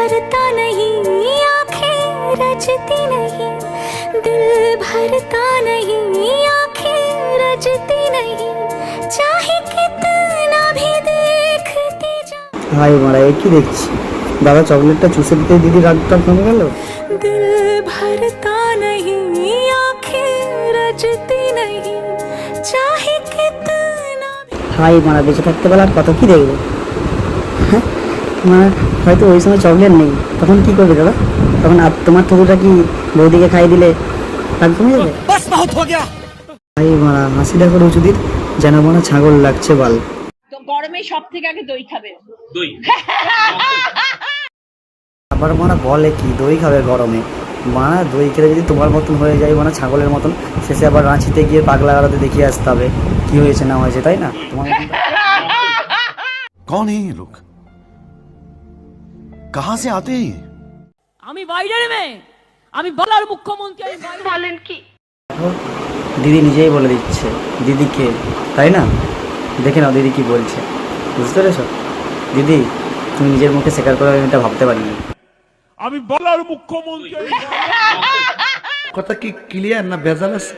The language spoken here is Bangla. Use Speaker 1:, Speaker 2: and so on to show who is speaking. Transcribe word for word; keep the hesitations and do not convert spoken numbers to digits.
Speaker 1: भरता नहीं, आंखें रजती नहीं, दिल भरता नहीं, आंखें रजती नहीं, चाहे कितना भी देखती जा।
Speaker 2: হাই মারা, এ কি দেখছি? দাদা চকলেটটা চুষে দিতে দিদি রাগটা কমে গেল।
Speaker 1: दिल भरता नहीं, आंखें रजती नहीं, चाहे कितना भी।
Speaker 2: হাই মারা, বেঁচে থাকতে পারলে আর কত কি দেখবো? হ্যাঁ মানে হয়তো ওই সময় চকলেট নেই, তখন কি করবে দাদা? তখন আপ তোমার থুকুটা কি বৌদিকে খাইয়ে দিলে রাগ কমে যাবে? হাই মারা, হাসি দেখো রুচুদির, যেন মনে ছাগল লাগছে বাল।
Speaker 3: তো গরমে সব থেকে আগে দই খাবে।
Speaker 4: দই
Speaker 2: আবার মারা বলে কি দই খাবে গরমে? মারা দই খেলে যদি তোমার মতন হয়ে যায় মানে ছাগলের মতন, শেষে আবার রাঁচিতে গিয়ে পাগলা গাড়াতে দেখিয়ে আসতে হবে কি হয়েছে না হয়েছে, তাই না? তোমার মতন
Speaker 5: कौन है ये लोग, कहां से आते हैं?
Speaker 3: আমি বাইরের মেয়ে, আমি বলার মুখ্যমন্ত্রী, আমি বাইরে। বলেন কি?
Speaker 2: দিদি নিজেই বলে দিচ্ছে দিদিকে, তাই না? দেখে নাও দিদি কি বলছে, বুঝতে পেরেছো? দিদি তুমি নিজের মুখে স্বীকার করে আমি এটা ভাবতে পারিনি।
Speaker 6: আমি বলার মুখ্যমন্ত্রী।
Speaker 5: কথা কি ক্লিয়ার না ভেজাল আছে?